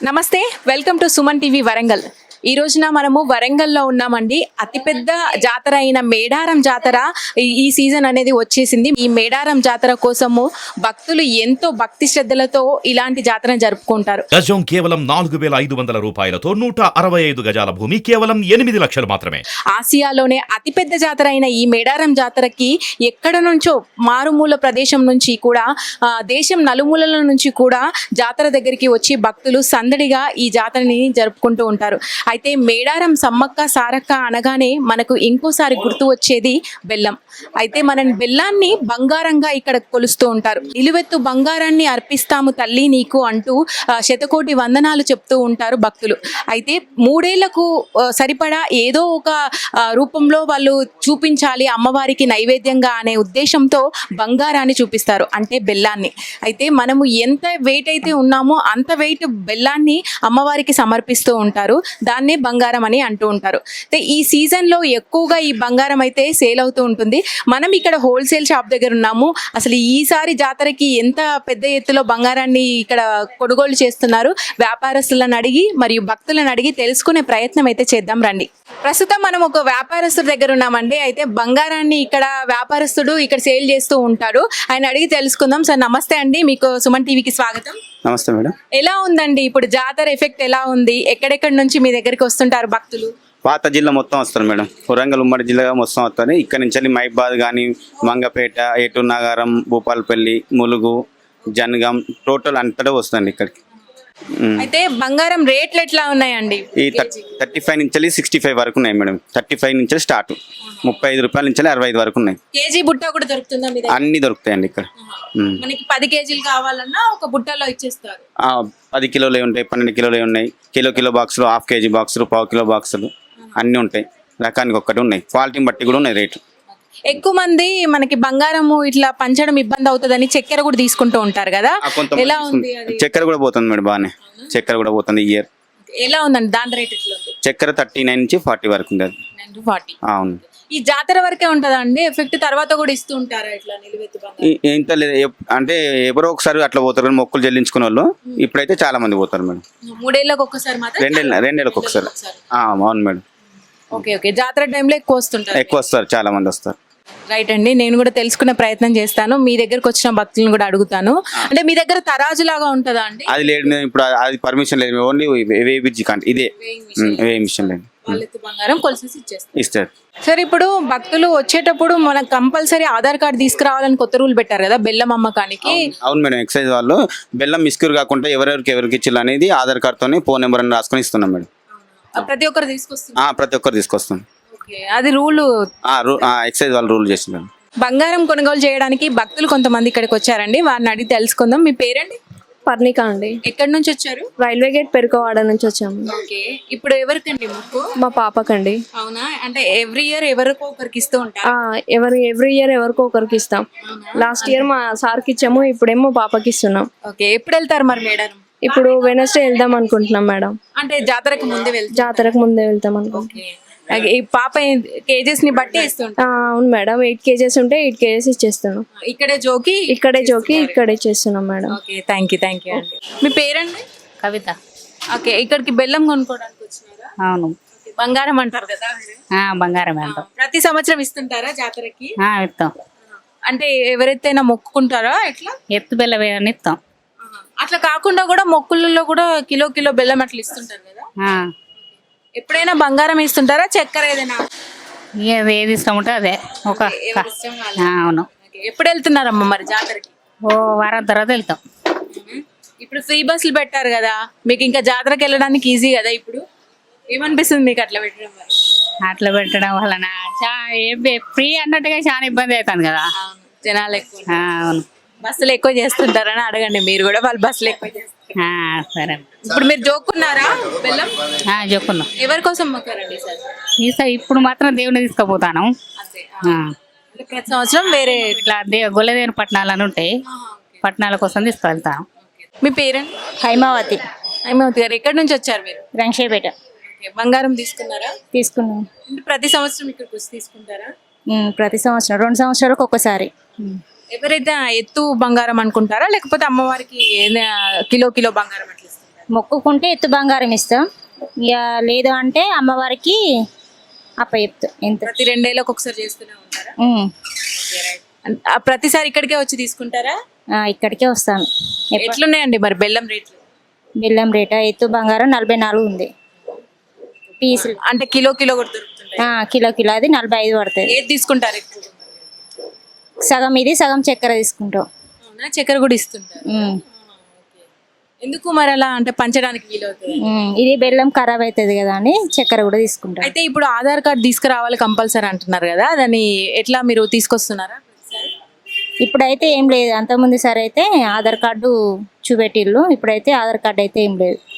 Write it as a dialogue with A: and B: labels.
A: నమస్తే, welcome to Suman TV Warangal. ఈ రోజున మనము వరంగల్లో ఉన్నామండి. అతిపెద్ద జాతర అయిన మేడారం జాతర ఈ సీజన్ అనేది వచ్చేసింది. ఈ మేడారం జాతర కోసము భక్తులు ఎంతో భక్తి శ్రద్ధలతో ఇలాంటి జాతరను జరుపుకుంటారు.
B: గజం కేవలం 4,500 రూపాయలతో 165 గజాల భూమి కేవలం 8 లక్షలు మాత్రమే.
A: ఆసియాలోనే అతిపెద్ద జాతర అయిన ఈ మేడారం జాతరకి ఎక్కడ నుంచో మారుమూల ప్రదేశం నుంచి కూడా దేశం నలుమూలల నుంచి కూడా జాతర దగ్గరికి వచ్చి భక్తులు సందడిగా ఈ జాతరని జరుపుకుంటూ ఉంటారు. అయితే మేడారం సమ్మక్క సారక్క అనగానే మనకు ఇంకోసారి గుర్తు వచ్చేది బెల్లం. అయితే మన బెల్లాన్ని బంగారంగా ఇక్కడ కొలుస్తూ ఉంటారు. నిలువెత్తు బంగారాన్ని అర్పిస్తాము తల్లి నీకు అంటూ శతకోటి వందనాలు చెప్తూ ఉంటారు భక్తులు. అయితే 3 ఏళ్లకు సరిపడా ఏదో ఒక రూపంలో వాళ్ళు చూపించాలి అమ్మవారికి నైవేద్యంగా అనే ఉద్దేశంతో బంగారాన్ని చూపిస్తారు, అంటే బెల్లాన్ని. అయితే మనము ఎంత వెయిట్ అయితే ఉన్నామో అంత వెయిట్ బెల్లాన్ని అమ్మవారికి సమర్పిస్తూ ఉంటారు. దాన్నే బంగారం అని అంటూ ఉంటారు. అయితే ఈ సీజన్లో ఎక్కువగా ఈ బంగారం అయితే సేల్ అవుతూ ఉంటుంది. మనం ఇక్కడ హోల్సేల్ షాప్ దగ్గర ఉన్నాము. అసలు ఈసారి జాతరకి ఎంత పెద్ద ఎత్తులో బంగారాన్ని ఇక్కడ కొనుగోలు చేస్తున్నారు వ్యాపారస్తులను అడిగి మరియు భక్తులను అడిగి తెలుసుకునే ప్రయత్నం అయితే చేద్దాం రండి. ప్రస్తుతం మనం ఒక వ్యాపారస్తుడి దగ్గర ఉన్నామండి. అయితే బంగారాన్ని ఇక్కడ వ్యాపారస్తుడు ఇక్కడ సేల్ చేస్తూ ఉంటాడు. ఆయన అడిగి తెలుసుకుందాం. సార్ నమస్తే అండి, మీకు సుమన్ టీవీకి స్వాగతం.
C: నమస్తే మేడం.
A: ఎలా ఉందండి ఇప్పుడు జాతర ఎఫెక్ట్ ఎలా ఉంది? ఎక్కడెక్కడి నుంచి మీ దగ్గరికి వస్తుంటారు భక్తులు?
C: పాత జిల్లా మొత్తం వస్తారు మేడం. వరంగల్ ఉమ్మడి జిల్లాగా మొత్తం వస్తారు. ఇక్కడ నుంచి మైబాద్ కానీ మంగపేట, ఏటూరు నాగారం, భూపాలపల్లి, ములుగు, జనగాం టోటల్ అంతటా వస్తుంది ఇక్కడికి.
A: అయితే బంగారం రేట్లు ఎట్లా ఉన్నాయండి?
C: ఈ 35 నుంచి 65 వరకు ఉన్నాయి మేడం. 35 నుంచి స్టార్ట్, 35 రూపాయల నుంచి 65 వరకు ఉన్నాయి.
A: కేజీ బుట్ట కూడా దొరుకుతుందా?
C: అన్ని దొరుకుతాయండి ఇక్కడ.
A: మనకి 10 కేజీలు కావాలన్నా ఒక బుట్టలో ఇచ్చేస్తారు.
C: 10 కిలోలే ఉంటాయి, 12 కిలోలే ఉన్నాయి, కిలో బాక్సులు, హాఫ్ కేజీ బాక్సులు, పావు కిలో బాక్సులు అన్నీ ఉంటాయి. రకానికి ఒక్కటి ఉన్నాయి, క్వాలిటీని బట్టి కూడా ఉన్నాయి రేట్లు.
A: ఎక్కువ మంది మనకి బంగారము ఇట్లా పంచడం ఇబ్బంది అవుతుందని చక్కెర కూడా తీసుకుంటూ ఉంటారు కదా, ఎలా ఉంది?
C: చక్కెర కూడా పోతుంది మేడం, బాగానే చక్కెర కూడా పోతుంది. ఇయర్
A: ఎలా ఉందండి దాని రేట్ ఎట్లా ఉంది?
C: చక్కెర 39 నుంచి 40 వరకు ఉంది. అది
A: 40.
C: అవును.
A: ఈ జాతర వరకే ఉంటుందా అండి ఎఫెక్ట్? తర్వాత కూడా ఇస్తూ ఉంటారా ఇట్లా నిలువెత్తు బంగారం?
C: ఇంత లేదు, అంటే ఎవరో ఒకసారి అట్లా పోతారు కానీ మొక్కులు చెల్లించుకునే వాళ్ళు. ఇప్పుడైతే చాలా మంది పోతారు మేడం.
A: 3 ఏళ్ళకి ఒక్కసారి మాత్రం?
C: 2 ఏళ్ళకి ఒకసారి. అవును మేడం.
A: ఓకే. జాతర టైంలో ఎక్కువ వస్తుంటారు?
C: ఎక్కువ వస్తారు, చాలా మంది వస్తారు.
A: రైట్ అండి, నేను కూడా తెలుసుకునే ప్రయత్నం చేస్తాను. మీ దగ్గరకు వచ్చిన భక్తులను కూడా అడుగుతాను. అంటే మీ దగ్గర తరాజు లాగా ఉంటుందా అండి?
C: అది లేదు ఇప్పుడు, అది పర్మిషన్ లేదు. ఓన్లీ వేయించి కంటే ఇదే మిషన్ లేదు.
A: బంగారం కొలిసేసి
C: ఇస్తారు.
A: సార్, ఇప్పుడు భక్తులు వచ్చేటప్పుడు మనం కంపల్సరీ ఆధార్ కార్డు తీసుకురావాలని కొత్త రూల్ పెట్టారు కదా బెల్లం అమ్మకానికి.
C: అవును మేడం, ఎక్సైజ్ వాళ్ళు బెల్లం మిస్క్యూర్ కాకుండా ఎవరికి ఇచ్చారు అనేది ఆధార్ కార్డుతోనే ఫోన్ నెంబర్ అని రాసుకొని ఇస్తున్నాం మేడం.
A: ప్రతి ఒక్కరు తీసుకొస్తున్నారు?
C: ప్రతి ఒక్కరు తీసుకొస్తాం.
A: అది రూల్
C: ఎక్సైజ్ వాళ్ళు రూల్ చేస్తున్నారు.
A: బంగారం కొనుగోలు చేయడానికి భక్తులు కొంతమంది ఇక్కడికి వచ్చారండి, వారిని అడిగి తెలుసుకుందాం. మీ పేరండి?
D: పర్ణిక అండి.
A: ఎక్కడి నుంచి వచ్చారు?
D: రైల్వే గేట్ పెరుకోవాడ నుంచి వచ్చాము.
A: ఓకే. ఇప్పుడు ఎవరికండి మొక్కు?
D: మా పాపకండి.
A: అవునా? అంటే ఎవ్రీ ఇయర్ ఎవరికో ఒకరికి ఇస్తూ ఉంటారు?
D: ఎవ్రీ ఇయర్ ఎవరికో ఒకరికి ఇస్తాం. లాస్ట్ ఇయర్ మా సార్కి ఇచ్చాము, ఇప్పుడేమో పాపకి ఇస్తున్నాం.
A: ఓకే. ఎప్పుడు వెళ్తారు మరి మేడారం?
D: ఇప్పుడు వెనస్డే వెళ్దాం అనుకుంటున్నాం మేడం.
A: అంటే జాతరకు ముందే వెళ్తాం?
D: జాతరకు ముందే వెళ్తాం అనుకుంటున్నాం.
A: ఈ పాప కేజెస్ ని బట్టి ఇస్తుంటా?
D: అవును మేడం, 8 కేజెస్ ఉంటే 8 కేజెస్ ఇచ్చేస్తున్నాం.
A: ఇక్కడే జోకి
D: ఇక్కడే చేస్తున్నాం మేడం.
A: ఓకే, థ్యాంక్ యూ అండి. మీ పేరండి?
E: కవిత.
A: ఓకే. ఇక్కడికి బెల్లం కొనుక్కోవడానికి వచ్చినారా?
E: అవును.
A: బంగారం అంటారు కదా,
E: బంగారం అంటాం.
A: ప్రతి సంవత్సరం ఇస్తుంటారా జాతరకి?
E: ఇస్తాం.
A: అంటే ఎవరైతేనా మొక్కుకుంటారా ఎట్లా?
E: ఎత్తు బెల్లం వేయని ఇస్తాం.
A: అట్లా కాకుండా కూడా మొక్కులలో కూడా కిలో బెల్లం అట్లా ఇస్తుంటారు కదా, ఎప్పుడైనా బంగారం ఇస్తుంటారా చక్కెర ఏదైనా?
E: ఏది ఇష్టం ఉంటే అదే. అవును.
A: ఎప్పుడు వెళ్తున్నారమ్మా మరి జాతరకి?
E: వారం తర్వాత వెళ్తాం.
A: ఇప్పుడు ఫ్రీ బస్సులు పెట్టారు కదా, మీకు ఇంకా జాతరకి వెళ్ళడానికి ఈజీ కదా. ఇప్పుడు ఏమనిపిస్తుంది మీకు అట్లా పెట్టడం వల్ల?
E: అట్లా పెట్టడం వలన ఫ్రీ అన్నట్టుగా చాలా ఇబ్బంది అవుతుంది కదా,
A: జనాలు ఎక్కువ.
E: అవును.
A: బస్సులు ఎక్కువ చేస్తుంటారని అడగండి మీరు కూడా, వాళ్ళు బస్సులు ఎక్కువ చేస్తారు.
E: సరే.
A: ఇప్పుడు మీరు జోక్కున్నారా బెల్లం?
E: జోక్కున్నాం.
A: ఎవరి కోసం మొక్కారండి
E: ఈసారి? ఇప్పుడు మాత్రం దేవుని తీసుకుపోతాను.
A: ప్రతి సంవత్సరం వేరే
E: ఇట్లా గొల్లదేవుని పట్టణాలని ఉంటాయి, పట్టణాల కోసం తీసుకువెళ్తాను.
A: మీ పేరండి?
D: హైమావతి.
A: హైమావతి గారు, ఎక్కడి నుంచి వచ్చారు మీరు?
D: రంగేపేట.
A: బంగారం తీసుకున్నారా?
D: తీసుకున్నాం.
A: ప్రతి సంవత్సరం ఇక్కడికి వచ్చి తీసుకుంటారా?
D: ప్రతి సంవత్సరం 2 సంవత్సరాలకు ఒక్కసారి.
A: ఎవరైతే ఎత్తు బంగారం అనుకుంటారా లేకపోతే అమ్మవారికి కిలో బంగారం అట్లా ఇస్తుంటారా?
F: మొక్కుకుంటే ఎత్తు బంగారం ఇస్తాం, ఇక లేదు అంటే అమ్మవారికి అప్ప చెప్తాం ఎంత.
A: ప్రతి 2 ఏళ్ళకి ఒకసారి చేస్తూనే ఉంటారా?
F: ఉమ్.
A: ప్రతిసారి ఇక్కడికే వచ్చి తీసుకుంటారా?
F: ఇక్కడికే వస్తాను.
A: ఎట్లున్నాయండి మరి బెల్లం రేట్లు?
F: బెల్లం రేట ఎత్తు బంగారం 44 ఉంది పీసులు.
A: అంటే కిలో కిలో కూడా దొరుకుతుంటాయి?
F: కిలో అది 45 పడుతుంది.
A: ఏది తీసుకుంటారు ఎక్కువ?
F: సగం ఇది సగం చక్కెర తీసుకుంటాం.
A: అవునా? చక్కెర కూడా ఇస్తుంటారు.
F: ఉమ్.
A: ఎందుకు మరి అలా అంటే పంచడానికి వీలవుతుంది?
F: ఇది బెల్లం ఖరాబ్ అవుతుంది కదా అని చక్కెర కూడా తీసుకుంటాం.
A: అయితే ఇప్పుడు ఆధార్ కార్డు తీసుకురావాలి కంపల్సరీ అంటున్నారు కదా, దాన్ని ఎట్లా మీరు తీసుకొస్తున్నారా?
F: ఇప్పుడైతే ఏం లేదు, అంతకుముందు సరే అయితే ఆధార్ కార్డు చూపెట్టిళ్ళు, ఇప్పుడైతే ఆధార్ కార్డు అయితే ఏం లేదు.